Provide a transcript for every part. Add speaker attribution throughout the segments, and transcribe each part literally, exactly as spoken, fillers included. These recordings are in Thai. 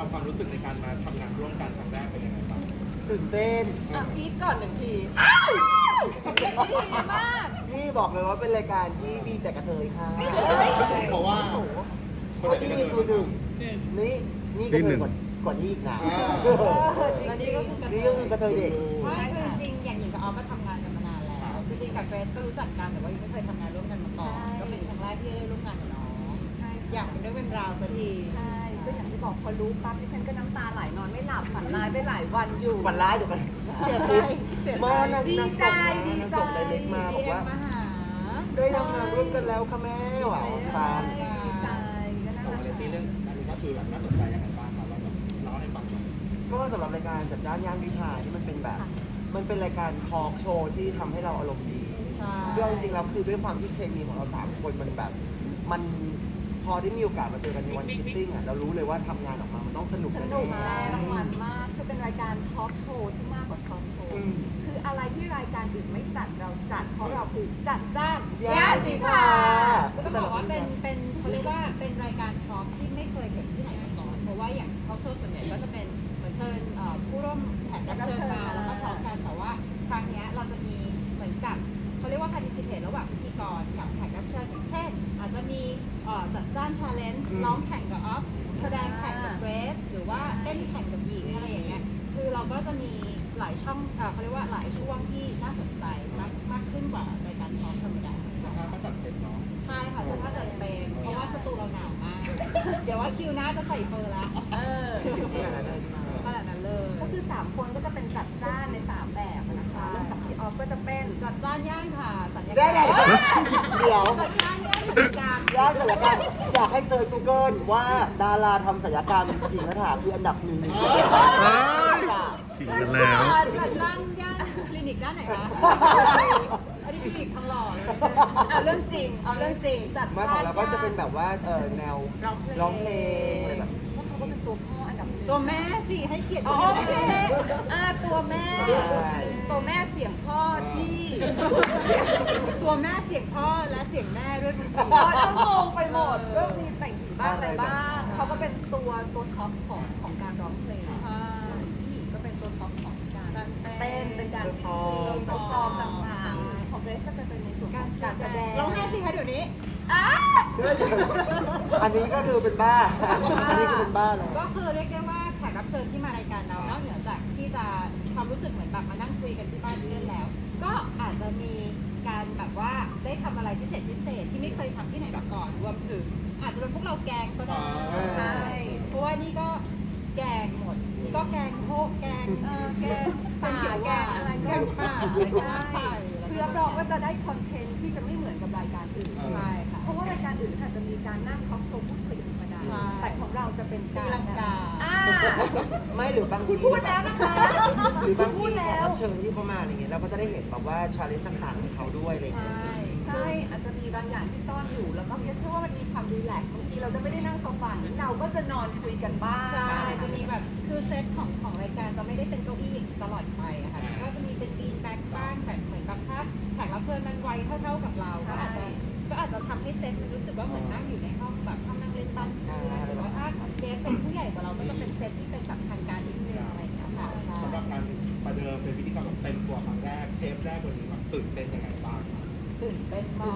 Speaker 1: รับความรู้สึกในการมาทำงานร่วมกันครั้งแรกเป็นยังไงบ้าง
Speaker 2: ตื่นเต้น
Speaker 3: อ่ะพีทก่อนหนึ่งทีดีมาก
Speaker 2: นี่บอกเลยว่าเป็นรายการที่มีแต่กระเทยค่ะ
Speaker 1: เพราะว่า
Speaker 2: คนที่มีตัวหนึ่งนี่นี่กระเทยกว่ากว่านี้อีกนะ
Speaker 3: แล้วนี่ก็คือกระเท
Speaker 2: นี่
Speaker 3: ย
Speaker 2: ก็คือกระเทยเด็ก
Speaker 4: ไม่คือจริงๆอย่างหญิงกับออฟก็ทำงานกันมานานแล้ว จริงๆกับเกรซก็รู้จักกันแต่ว่ายังไม่เคยทำงานร่วมกันมาก่อนก็เป็นครั้งแรกที่ได้ร่วมงานกับน้อง
Speaker 3: ใช่
Speaker 4: อยากเป็นเรื่องเป็นราวสักที
Speaker 3: ใช่ก็อย่างที่บอกพอรู้ปั๊บดิฉันก็น้ำตาไหลนอนไม่หลับฝันร้ายไปหลายวันอยู่
Speaker 2: ฝันร้ายเดี๋ยวกัน
Speaker 4: เสียใจเสียใจ
Speaker 2: มานาง
Speaker 3: ดี
Speaker 2: นาง
Speaker 3: ใจ
Speaker 2: ส่งมา
Speaker 3: ดี
Speaker 2: นาง
Speaker 3: ใจ
Speaker 2: ส่งไดเรกมาบ
Speaker 4: ดี
Speaker 2: อก
Speaker 4: เอ็ม
Speaker 2: ว่า
Speaker 4: มาหา
Speaker 2: ได้ทำงานร่วมกันแล้วค่ะแม่หวานฟาน
Speaker 3: ดีใจก็น่า
Speaker 1: ของ
Speaker 3: รัก
Speaker 1: เรตตี้เรื่องอันนี้ก็คือแบบน่าสนใจยังไงบ้างครับเราแบบเล่าให้ฟังหน่อย
Speaker 2: ก็สำหรับรายการจัดจ้านย่านวิภาที่มันเป็นแบบ มันเป็นรายการทอล์กโชว์ที่ทำให้เราอารมณ์ดี
Speaker 4: ใช่
Speaker 2: เรื่องจริงๆแล้วคือด้วยความที่เคมีของเราสามคนมันแบบ มันพอได้มีโอกาสมาเจอกันในวันฟิตติ้งอ่ะเรารู้เลยว่าทำงานออกมามันต้องสนุก
Speaker 3: ส
Speaker 2: แน่
Speaker 3: นุก
Speaker 2: ๆ
Speaker 3: แน่รางวัลมาก คือเป็นรายการทอล์กโชว์ที่มากกว่าทอล์กโชว์
Speaker 2: อืม
Speaker 3: คืออะไรที่รายการอื่นไม่จัดเราจัด เพราะเราคือจัดจ้าน
Speaker 2: ย่านวิภา
Speaker 4: ก็ต้องบอกว่าเป็นเป็นเขาเรียกว่าเป็นรายการทอล์กที่ไม่เคยเห็นที่ไหนมาก่อน เพราะว่าอย่างทอล์กโชว์ส่วนใหญ่ก็จะเป็นเหมือนเชิญเอ่อผู้ร่วมแขกรับเชิญมาแล้วก็ทอล์กกันแต่ว่าครั้งเนี้ยเราจะมีเหมือนกับเขาเรียกว่า participate ระหว่างพิธีกรกับแขกรับเชิญอย่างเช่น อาจจะมีเอ่อจัดจ้าน challenge
Speaker 2: อืม
Speaker 4: ร้องแข่งกับออฟแสดงแข่งกับเกรซหรือว่าเต้นแข่งกับหญิงอะไรอย่างเงี้ยคือเราก็จะมีหลายช่องเอ่อเขาเรียกว่าหลายช่วงที่น่าสนใจมากมากขึ้นกว่ารายการทอล์กธรรมดา
Speaker 1: สภาพก็จัดเต็มเนาะ
Speaker 4: ใช่ค่ะสภาพจัดเต็มเพราะว่าสตูเราหนาวมาก เดี๋ยวว่าคิวหน้าจะใส่เฟอร์ละ
Speaker 3: เออ
Speaker 2: ขนาดนั้นเลยใช่ไหม
Speaker 4: ขนาดนั้นเลย
Speaker 3: ก็คือ สาม คนก็จะเป็นจัดจ้านใน สาม แบบนะคะเริ่มจากพี่ออฟก็จะเป็น
Speaker 4: จัดจ้านย่านค่ะสัญญา
Speaker 2: ได้ได้เดี๋ยว
Speaker 4: จัดจ้านย่านสัญญากรรม
Speaker 2: ย่านศัลยกรรมอยากให้เซิร์ช Google ว่าดาราทำศัลยกรรมหญิงกระถาคืออันดับหนึ่งในประเทศ
Speaker 5: ถึงกันแล้ว
Speaker 4: จัดจ้านย่านคลินิกด้านไหนคะอันนี้คลินิกทองหล่อเลย
Speaker 3: เอาเรื่องจริง เอาเรื่องจริง จัด
Speaker 2: มาของเราก็จะเป็นแบบว่าเออแนว
Speaker 4: ร้องเพลง
Speaker 2: ร้องเพลงอะไรแบบ
Speaker 3: เพราะเขาก็เป็นตัวพ่ออันดับหนึ่ง
Speaker 4: ตัวแม่สิให้เกียรติ
Speaker 3: อ๋อ
Speaker 4: ตัว
Speaker 3: โอเค
Speaker 4: แม่
Speaker 3: อ่าตัวแม่
Speaker 2: ใช่
Speaker 3: ตัวแม่เสียงพ่อที่
Speaker 4: ตัวแม่เสียงพ่อและเสียงแม่ด้วยคุณ
Speaker 3: พ่อจะงงไปหมดก็มีแต่งหญิงบ้างอะไรบ้างเขาก็เป็นตัวตัวท็อปของของการร้องเพลง
Speaker 4: ใช่
Speaker 3: พี่หญิงก็เป็นตัวท็อปของการ
Speaker 4: การเต้
Speaker 3: เต้
Speaker 4: น
Speaker 3: นเป็นการซิง
Speaker 2: เต้
Speaker 3: เกิล
Speaker 2: น
Speaker 3: ฟอร์มต่างๆของเกรซก็จะเป็นในส่วนของการแสดง
Speaker 4: ร้องไห้สิคะเดี๋ยวนี้
Speaker 3: อ่ะ
Speaker 2: อันนี้ก็คือเป็นบ้า อันนี้ก็เป็นบ้าเลย
Speaker 4: ก็คือเรียกได้ว่าแขกรับเชิญที่มารายการเรานอกเหนือจากที่จะความรู้สึกเหมือนแบบมานั่งคุยกันที่บ้านเพื่อนแล้ว ก็อาจจะมีการแบบว่าได้ทำอะไรพิเศษพิเศษที่ไม่เคยทำที่ไหนมาก่อนรวมถึง อาจจะเป็นพวกเราแกงก็ได้
Speaker 3: ใช่
Speaker 4: เพราะว่านี่ก็แกงหมดนี่ก็แกงโพกแกง
Speaker 3: เออแกงป่าแกงอะไร
Speaker 4: แก
Speaker 3: ก็
Speaker 4: งป่าอะไรก็ว่าไป
Speaker 3: คือรับรองว่าจะได้คอนเทนต์ที่จะไม่เหมือนกับรายการอื่น
Speaker 4: ใช่ค่ะ
Speaker 3: เพราะว่ารายการอื่นค่ะจะมีการนั่งทอล์กโชว์พูดคุยกันธรรมดา
Speaker 4: ใช่
Speaker 3: แต่ของเราจะเป็น
Speaker 4: ตี
Speaker 3: การ
Speaker 4: ลังกา
Speaker 3: อ่า
Speaker 2: ไม่หรือบาง
Speaker 3: คุณ
Speaker 2: ที
Speaker 3: พูดแล้วนะคะ
Speaker 2: หรือบาง
Speaker 3: พู
Speaker 2: ที
Speaker 3: ด
Speaker 2: แข
Speaker 3: แล้
Speaker 2: ก
Speaker 3: ว
Speaker 2: รับเชิญที่เขามาอะไรเงี้ยเราก็จะได้เห็นแบบว่าชาเลนจ์ต่างๆของเขาด้วยอะไร
Speaker 4: ใช่
Speaker 2: เงี้ย
Speaker 3: ใช่อาจจะมีบางอย่างที่ซ่อนอยู่ แล้วก็เชื่อว่ามันมีความรีแลกซ์บางทีเราจะไม่ได้นั่งโซฟาอย่างนี้เราก็จะนอนคุยกันบ้าง
Speaker 4: ใช่ จะมีแบบคือเซตของของรายการจะไม่ได้เป็นเก้าอี้ตลอดไปอะค่ะ ก็จะมีเป็นบีนแบ็กบ้างแต่เหมือนกับถ้าแขกรับเชิญมันวัยเท่าๆกับเรา ก็อาจจะก็อาจจะทำให้เซตมันรู้สึกว่าเหมือนนั่งอยู่ในห้องแบบห้องนั่งเล่นบ้านเพื่อนหรือว่าถ้าเกสเป็นผู้ใหญ่กว่าเราก็จะเป็นเซตที่เป็นแบบทางการนิดนึงอะไรอย่างเงี้ยค่ะใช่
Speaker 1: สำหรับการประเดิมเป็นพิธีกรแบบเต็มตัวครั้งแรกเทปแรกวันนี้แบบตื่นเต้นยังไงบ้าง
Speaker 4: ตื่นเต้นมาก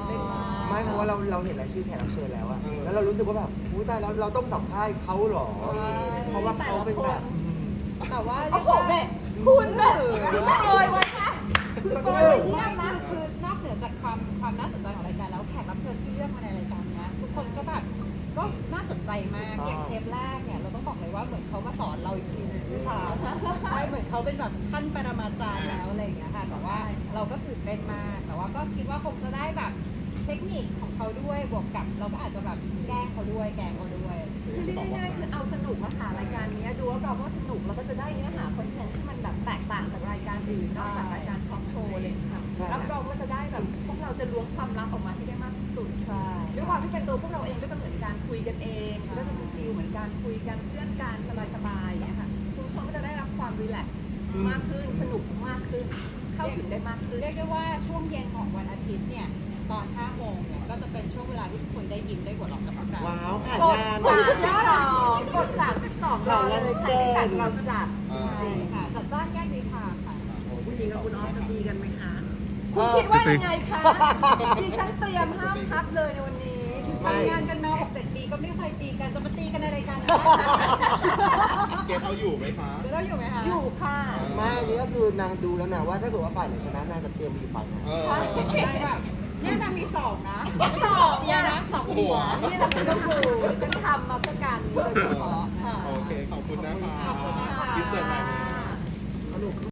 Speaker 2: ไม่เพราะว่าเราเราเห็นรายชื่อแขกรับเชิญแล้วอะ
Speaker 1: เออ
Speaker 2: แล้วเรารู้สึกว่าแบบอุ้ยตายแล้วเราต้องสัมภาษณ์เขาเหรอ เพราะว่าเขาเป็นแบบ
Speaker 4: แต่ว่า
Speaker 3: โอ้โหแม่คุณแบบโอยไว้ค่ะ
Speaker 4: คือโปรยเยี่ยมนะคือนอกเหนือจากความความน่าสนใจของรายการแล้วแขกรับเชิญที่เลือกมาในรายการเนี้ยทุกคนก็แบบก็น่าสนใจมากอย่างเทปแรกเนี่ยเราต้องบอกเลยว่าเหมือนเขามาสอนเราอีกทีนึงด้วยซ้ำใช่เหมือนเขาเป็นแบบขั้นปรมาจารย์แล้วอะไรอย่างเงี้ยค่ะแต่ว่าเราก็ตื่นเต้นมากแต่ว่าก็คิดว่าคงจะได้แบบเทคนิคของเขาด้วยบวกกับเราก็อาจจะแบบแกล้งเขาด้วยแกล้งเขาด้วย
Speaker 3: คือเรียกง่ายๆคือเอาสนุกมาหารายการนี้ดูว่าเราก็สนุกแล้วก็จะได้เนื้อหาคอนเทนต์ที่มันแบบแตกต่างจากรายการอื่นนอกจากรายการทอล์กโชว์เลยค่ะ
Speaker 2: ใช่
Speaker 3: รับรองว่าจะได้แบบพวกเราจะล้วงความลับออกมาให้ได้มากที่สุด
Speaker 4: ใช่
Speaker 3: ด้วยความที่เป็นตัวพวกเราเองก็จะเหมือนการคุยกันเองก็จะเป็นฟีลเหมือนการคุยกันเพื่อนกันสบายๆอย่างเงี้ยค่ะคุณผู้ชมก็จะได้รับความรีแลกซ์มากขึ้นสนุกมากขึ้น เข้าถึงได้มากขึ้น
Speaker 4: เรียกได้ว่าช่วงเย็นของวันอาทิตย์เนี่ยตอนห้าโมงเนี่ยก็จะเป็นช่วงเวลาที่ทุกคนได้ยิ้มได้หัวเราะกับพวกเรา
Speaker 2: ว้าวขาด
Speaker 3: กด
Speaker 2: งาน
Speaker 3: สามสองกดสามสิบสองรอเลยค่ะที่จัดเราจัด
Speaker 1: เออ
Speaker 4: ใช่ค่ะจัดจ้านแยกดีทางค่ะ
Speaker 3: คุณหญิงกับคุณออฟจะตีกันไหมคะ
Speaker 2: เอ
Speaker 3: คุณ
Speaker 2: อ
Speaker 3: คิดว่ายังไงคะดิฉันเตรียมห้ามทับเลยในวันนี้
Speaker 2: ไม่
Speaker 4: ทำงานกันมาหกเจ็ดปีก็ไม่เคยตีกันจะมาตีกันในรายการนะ
Speaker 1: เกตเอาอยู่ไหมคะ
Speaker 4: เดี๋ยวเราอยู่ไหมคะ
Speaker 3: อยู่ค่ะ
Speaker 2: ไม่อันนี้ก็คือนางดูแล้วนะว่าถ้าเกิดว่าฝ่ายไหนชนะนางจะเตรียมไปอยู่ฝ่ายไหน
Speaker 1: เออ
Speaker 4: ใช่แบบเนี่ยนางมีสองนะ
Speaker 3: สอง
Speaker 4: เดียวนะสองหัว
Speaker 3: นี่แหละคุณต้องดูดิฉันทำมาเพื่อการนี้โดยเฉพาะค่ะ
Speaker 1: โอเค ขอบคุณนะคะ
Speaker 3: ขอบคุณนะคะ
Speaker 1: อินเสิร์ตหน่อยนะ